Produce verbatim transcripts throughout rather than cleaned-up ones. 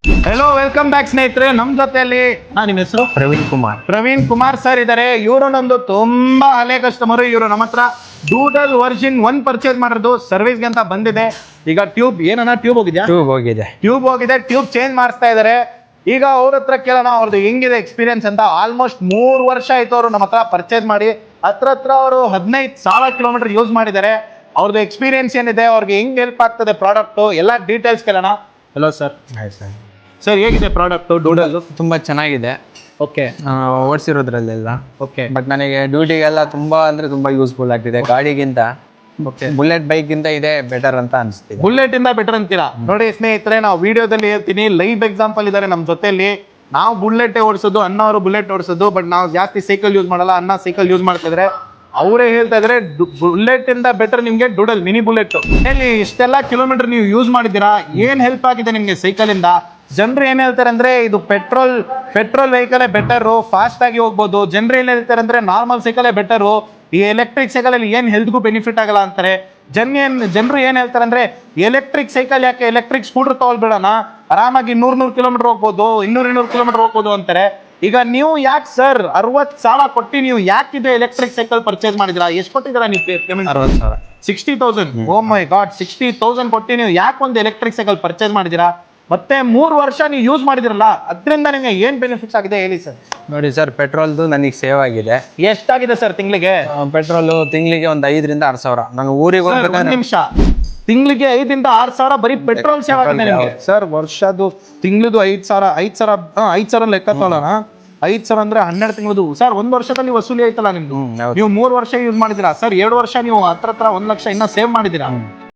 Hello welcome back ಸ್ನೇಹಿತರೆ. ನಮ್ಮ ಜೊತೆಯಲ್ಲಿ ಹಾ ನಿಮ್ಮ ಹೆಸರು ಪ್ರವೀಣ್ ಕುಮಾರ್ ಪ್ರವೀಣ್ ಕುಮಾರ್ ಸರ್ ಇದ್ದಾರೆ. ಇವರು ನಮ್ದು ತುಂಬಾ ಹಳೆ ಕಸ್ಟಮರ್. ಇವರು ನಮ್ಮ ಹತ್ರ ಡೂಡಲ್ ವರ್ಜಿನ್ ಒನ್ ಪರ್ಚೇಸ್ ಮಾಡಿರೋದು ಸರ್ವಿಸ್ಗೆ ಅಂತ ಬಂದಿದೆ. ಈಗ ಟ್ಯೂಬ್ ಏನನ್ನ ಟ್ಯೂಬ್ ಹೋಗಿದ್ಯಾ? ಟ್ಯೂಬ್ ಹೋಗಿದೆ ಟ್ಯೂಬ್ ಹೋಗಿದೆ ಟ್ಯೂಬ್ ಚೇಂಜ್ ಮಾಡಿಸ್ತಾ ಇದಾರೆ. ಈಗ ಅವ್ರ ಹತ್ರ ಕೇಳೋಣ ಅವ್ರದ್ದು ಹೆಂಗಿದೆ ಎಕ್ಸ್ಪೀರಿಯನ್ಸ್ ಅಂತ. ಆಲ್ಮೋಸ್ಟ್ ಮೂರು ವರ್ಷ ಆಯ್ತು ಅವರು ನಮ್ಮ ಹತ್ರ ಪರ್ಚೇಸ್ ಮಾಡಿ. ಹತ್ರ ಹತ್ರ ಅವರು ಹದಿನೈದು ಸಾವಿರ ಕಿಲೋಮೀಟರ್ ಯೂಸ್ ಮಾಡಿದ್ದಾರೆ. ಅವ್ರದ್ದು ಎಕ್ಸ್ಪೀರಿಯನ್ಸ್ ಏನಿದೆ, ಅವ್ರಿಗೆ ಹೆಂಗ್ ಹೆಲ್ಪ್ ಆಗ್ತದೆ ಪ್ರಾಡಕ್ಟ್ ಎಲ್ಲ ಡೀಟೇಲ್ಸ್ ಕೇಳೋಣ. Hello sir. ಸರ್ ಸರ್ ಹೇಗಿದೆ ಪ್ರಾಡಕ್ಟ್ ಡೂಡಲ್? ತುಂಬಾ ಚೆನ್ನಾಗಿದೆ. ಓಕೆ ಓಡಿಸಿರೋದ್ರಲ್ಲೆಲ್ಲ ಓಕೆ ಬಟ್ ನನಗೆ ಡ್ಯೂಟಿಗೆಲ್ಲ ತುಂಬಾ ಅಂದ್ರೆ ತುಂಬಾ ಯೂಸ್ಫುಲ್ ಆಗ್ತಿದೆ. ಗಾಡಿಗಿಂತ ಓಕೆ ಬುಲೆಟ್ ಬೈಕ್ ಗಿಂತ ಇದೆ ಬೆಟರ್ ಅಂತ ಅನಿಸ್ತಿದೆ. ಬುಲೆಟ್ ಇಂದ ಬೆಟರ್ ಅಂತೀರಾ? ನೋಡಿ ಸ್ನೇಹಿತರೆ, ನಾವು ವಿಡಿಯೋದಲ್ಲಿ ಹೇಳ್ತೀನಿ, ಲೈವ್ ಎಕ್ಸಾಂಪಲ್ ಇದ್ದಾರೆ ನಮ್ಮ ಜೊತೆಲಿ. ನಾವು ಬುಲೆಟ್ ಓಡಿಸೋದು, ಅಣ್ಣ ಅವರು ಬುಲೆಟ್ ಓಡಿಸೋದು, ಬಟ್ ನಾವು ಜಾಸ್ತಿ ಸೈಕಲ್ ಯೂಸ್ ಮಾಡಲ್ಲ. ಅಣ್ಣ ಸೈಕಲ್ ಯೂಸ್ ಮಾಡ್ತಿದ್ರೆ ಅವರೇ ಹೇಳ್ತಾ ಇದ್ರೆ ಬುಲೆಟ್ ಇಂದ ಬೆಟರ್ ನಿಮ್ಗೆ ಡೂಡಲ್ ಮಿನಿ ಬುಲೆಟ್. ಹೇಳಿ, ಇಷ್ಟೆಲ್ಲ ಕಿಲೋಮೀಟರ್ ನೀವು ಯೂಸ್ ಮಾಡಿದ್ದೀರಾ, ಏನ್ ಹೆಲ್ಪ್ ಆಗಿದೆ ನಿಮ್ಗೆ ಸೈಕಲ್ ಇಂದ? ಜನರು ಏನ್ ಹೇಳ್ತಾರೆ ಅಂದ್ರೆ ಇದು petrol petrol vehicle better, fast ಆಗಿ ಹೋಗ್ಬೋದು. ಜನರು ಏನ್ ಹೇಳ್ತಾರೆ ಅಂದ್ರೆ ನಾರ್ಮಲ್ ಸೈಕಲ್ ಬೆಟರು, ಈ ಎಲೆಕ್ಟ್ರಿಕ್ ಸೈಕಲ್ ಅಲ್ಲಿ ಏನ್ ಹೆಲ್ತ್ಗೂ ಬೆನಿಫಿಟ್ ಆಗಲ್ಲ ಅಂತಾರೆ. ಜನ ಏನ್ ಜನರು ಏನ್ ಹೇಳ್ತಾರೆ ಅಂದ್ರೆ ಎಲೆಕ್ಟ್ರಿಕ್ ಸೈಕಲ್ ಯಾಕೆ, ಎಲೆಕ್ಟ್ರಿಕ್ ಸ್ಕೂಟರ್ ತಗೊಳ್ಬೇಡಣ, ಆರಾಮಾಗಿ ನೂರ್ ನೂರ್ ಕಿಲೋಮೀಟರ್ ಹೋಗ್ಬೋದು, ಇನ್ನೂರ್ ಇನ್ನೂರು ಕಿಲೋಮೀಟರ್ ಹೋಗ್ಬೋದು ಅಂತಾರೆ. ಈಗ ನೀವು ಯಾಕೆ ಸರ್ ಅರವತ್ ಸಾವಿರ ಕೊಟ್ಟು ನೀವು ಯಾಕಿದೆ ಎಲೆಕ್ಟ್ರಿಕ್ ಸೈಕಲ್ ಪರ್ಚೇಸ್ ಮಾಡಿದಿರಾ? ಎಷ್ಟು ಕೊಟ್ಟಿದ್ದೀರಾ ನೀವು ಪೇಮೆಂಟ್? ಅರವತ್ತು ಸಾವಿರ sixty thousand oh my god, sixty thousand ಕೊಟ್ಟು ನೀವು ಯಾಕೆ ಒಂದು ಎಲೆಕ್ಟ್ರಿಕ್ ಸೈಕಲ್ ಪರ್ಚೇಸ್ ಮಾಡಿದಿರಾ? ಮತ್ತೆ ಮೂರು ವರ್ಷ ನೀವು ಯೂಸ್ ಮಾಡಿದಿರಲ್ಲ, ಅದರಿಂದ ನಿಮಗೆ ಏನ್ ಬೆನಿಫಿಟ್ಸ್ ಆಗಿದೆ ಹೇಳಿ ಸರ್. ನೋಡಿ ಸರ್, ಪೆಟ್ರೋಲ್ದು ನನಗೆ ಸೇವ್ ಆಗಿದೆ. ಎಷ್ಟಾಗಿದೆ ಸರ್ ತಿಂಗಳಿಗೆ? ಪೆಟ್ರೋಲು ತಿಂಗಳಿಗೆ ಒಂದು ಐದರಿಂದ ಆರು ಸಾವಿರ. ನಾನು ಊರಿಗೆ ಹೋಗ್ಬೇಕಾದ್ರೆ ನಿಮಿಷ, ತಿಂಗಳಿಗೆ ಐದಿಂದ ಆರು ಸಾವಿರ ಬರೀ ಪೆಟ್ರೋಲ್ ಸೇವ್ ಆಗಿದೆ ನಿಮಗೆ ಸರ್. ವರ್ಷದ್ದು ತಿಂಗಳದು ಐದ್ ಸಾವಿರ ಐದ್ ಸಾವಿರ ಐದ್ ಸಾವಿರ ಲೆಕ್ಕ ತಗೊಳ್ಳೋಣ. ಐದ್ ಸಾವಿರ ಅಂದ್ರೆ ಹನ್ನೆರಡು ತಿಂಗಳದು ಸರ್. ಒಂದ್ ವರ್ಷದಲ್ಲಿ ವಸೂಲಿ ಆಯ್ತಲ್ಲ ನಿಮ್ದು. ನೀವು ಮೂರು ವರ್ಷ ಯೂಸ್ ಮಾಡಿದಿರಾ ಸರ್, ಎರಡು ವರ್ಷ ನೀವು ಹತ್ರ ಹತ್ರ ಒಂದ್ ಲಕ್ಷ ಇನ್ನ ಸೇವ್ ಮಾಡಿದಿರಾ.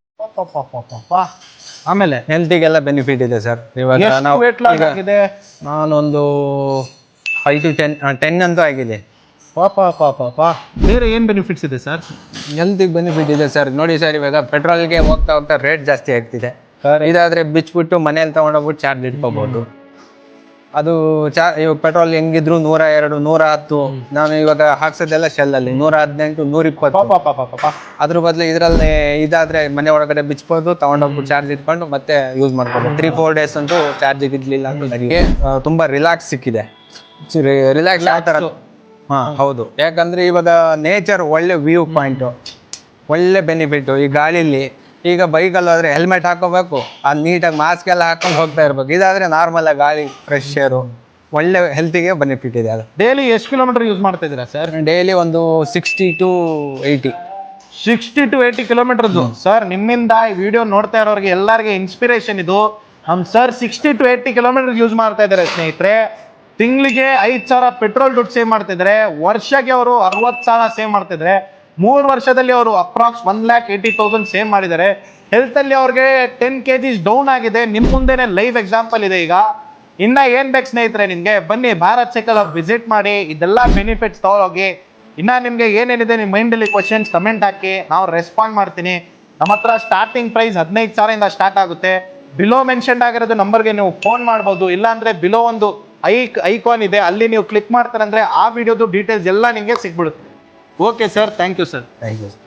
ಆಮೇಲೆ ಹೆಲ್ತಿಗೆಲ್ಲ ಬೆನಿಫಿಟ್ ಇದೆ ಸರ್. ಇವಾಗ ಎಷ್ಟು ನಾವು weight loss ಆಗಿದೆ? ನಾನೊಂದು ಫೈವ್ ಟು ಟೆನ್ ಟೆನ್ ಅಂತೂ ಆಗಿದೆ. ಪಾಪ ಪಾಪ ಪಾ ಬೇರೆ ಏನ್ ಬೆನಿಫಿಟ್ಸ್ ಇದೆ ಸರ್? ಹೆಲ್ತಿಗೆ ಬೆನಿಫಿಟ್ ಇದೆ ಸರ್. ನೋಡಿ ಸರ್, ಇವಾಗ ಪೆಟ್ರೋಲ್ಗೆ ಹೋಗ್ತಾ ಹೋಗ್ತಾ ರೇಟ್ ಜಾಸ್ತಿ ಆಗ್ತಿದೆ. ಇದಾದ್ರೆ ಬಿಚ್ಬಿಟ್ಟು ಮನೇಲಿ ತಗೊಂಡೋಗ್ಬಿಟ್ಟು ಚಾರ್ಜ್ ಇಟ್ಕೋಬಹುದು. ಅದು ಚಾ ಇವಾಗ ಪೆಟ್ರೋಲ್ ಹೆಂಗಿದ್ರು ನೂರ ಎರಡು ನೂರ ಹತ್ತು, ನಾನು ಇವಾಗ ಹಾಕ್ಸೋದೆಲ್ಲ ಶೆಲ್ಲಲ್ಲಿ ನೂರ ಹದಿನೆಂಟು ನೂರ ಇಪ್ಪತ್ತು. ಅದ್ರ ಬದಲು ಇದರಲ್ಲಿ ಇದಾದ್ರೆ ಮನೆ ಒಳಗಡೆ ಬಿಚ್ಬೋದು, ತಗೊಂಡೋಗ್ಬಿಟ್ಟು ಚಾರ್ಜ್ ಇಟ್ಕೊಂಡು ಮತ್ತೆ ಯೂಸ್ ಮಾಡ್ಬೋದು. ತ್ರೀ ಫೋರ್ ಡೇಸ್ ಅಂತೂ ಚಾರ್ಜ್ ಇರ್ಲಿಲ್ಲ ಅಂತ ನನಗೆ ತುಂಬಾ ರಿಲ್ಯಾಕ್ಸ್ ಸಿಕ್ಕಿದೆ. ರಿಲ್ಯಾಕ್ಸ್ ಆಗ್ತಾರ. ಹಾ ಹೌದು, ಯಾಕಂದ್ರೆ ಇವಾಗ ನೇಚರ್ ಒಳ್ಳೆ ವ್ಯೂ ಪಾಯಿಂಟ್, ಒಳ್ಳೆ ಬೆನಿಫಿಟ್. ಈ ಗಾಳಿಲಿ ಈಗ ಬೈಕಲ್ಲಿ ಹೋದ್ರೆ ಹೆಲ್ಮೆಟ್ ಹಾಕೋಬೇಕು, ಅದು ನೀಟಾಗಿ ಮಾಸ್ಕ್ ಎಲ್ಲ ಹಾಕೊಂಡು ಹೋಗ್ತಾ ಇರ್ಬೇಕು. ಇದಾದ್ರೆ ನಾರ್ಮಲ್ ಆಗಿ ಗಾಳಿ ಫ್ರೆಶ್ ಏರು, ಒಳ್ಳೆ ಹೆಲ್ತಿಗೆ ಬೆನಿಫಿಟ್ ಇದೆ. ಅದು ಡೈಲಿ ಎಷ್ಟು ಕಿಲೋಮೀಟರ್ ಯೂಸ್ ಮಾಡ್ತಾ ಇದ್ದೀರಾ ಸರ್? ಡೈಲಿ ಒಂದು sixty to eighty sixty to eighty kilometres sir. ನಿಮ್ಮಿಂದ ಈ ವಿಡಿಯೋ ನೋಡ್ತಾ ಇರೋರಿಗೆ ಎಲ್ಲರಿಗೆ ಇನ್ಸ್ಪಿರೇಷನ್ ಇದು. ನಮ್ sir sixty to eighty kilometre use ಮಾಡ್ತಾ ಇದ್ದಾರೆ ಸ್ನೇಹಿತರೆ. ತಿಂಗಳಿಗೆ ಐದ್ ಸಾವಿರ ಪೆಟ್ರೋಲ್ ದುಡ್ಡು ಸೇವ್ ಮಾಡ್ತಿದ್ದಾರೆ. ವರ್ಷಕ್ಕೆ ಅವರು ಅರವತ್ ಸಾವಿರ ಸೇವ್ ಮಾಡ್ತಿದ್ದಾರೆ. ಮೂರು ವರ್ಷದಲ್ಲಿ ಅವರು approx one lakh eighty thousand save ಮಾಡಿದ್ದಾರೆ. ಹೆಲ್ತ್ ಅಲ್ಲಿ ಅವ್ರಿಗೆ ಟೆನ್ ಕೆ ಜಿಸ್ ಡೌನ್ ಆಗಿದೆ. ನಿಮ್ ಮುಂದೆನೆ ಲೈವ್ ಎಕ್ಸಾಂಪಲ್ ಇದೆ. ಈಗ ಇನ್ನ ಏನ್ ಬೇಕು ಸ್ನೇಹಿತರೆ ನಿಮ್ಗೆ, ಬನ್ನಿ ಭಾರತ್ ಸೈಕಲ್ ವಿಸಿಟ್ ಮಾಡಿ, ಇದೆಲ್ಲ ಬೆನಿಫಿಟ್ಸ್ ತಗೊಳೋಗಿ. ಇನ್ನ ನಿಮ್ಗೆ ಏನೇನಿದೆ ನಿಮ್ಮ ಮೈಂಡಲ್ಲಿ ಕ್ವಶನ್ಸ್ ಕಮೆಂಟ್ ಹಾಕಿ, ನಾವು ರೆಸ್ಪಾಂಡ್ ಮಾಡ್ತೀನಿ. ನಮ್ಮ ಹತ್ರ ಸ್ಟಾರ್ಟಿಂಗ್ ಪ್ರೈಸ್ ಹದಿನೈದು ಸಾವಿರದಿಂದ ಸ್ಟಾರ್ಟ್ ಆಗುತ್ತೆ. ಬಿಲೋ ಮೆನ್ಷನ್ ಆಗಿರೋದು ನಂಬರ್ಗೆ ನೀವು ಫೋನ್ ಮಾಡ್ಬೋದು. ಇಲ್ಲಾಂದ್ರೆ ಬಿಲೋ ಒಂದು ಐಕ್ ಐಕಾನ್ ಇದೆ, ಅಲ್ಲಿ ನೀವು ಕ್ಲಿಕ್ ಮಾಡ್ತಾರಂದ್ರೆ ಆ ವಿಡಿಯೋದು ಡೀಟೇಲ್ಸ್ ಎಲ್ಲ ನಿಮಗೆ ಸಿಗ್ಬಿಡುತ್ತೆ. Okay sir, thank you sir. Thank you.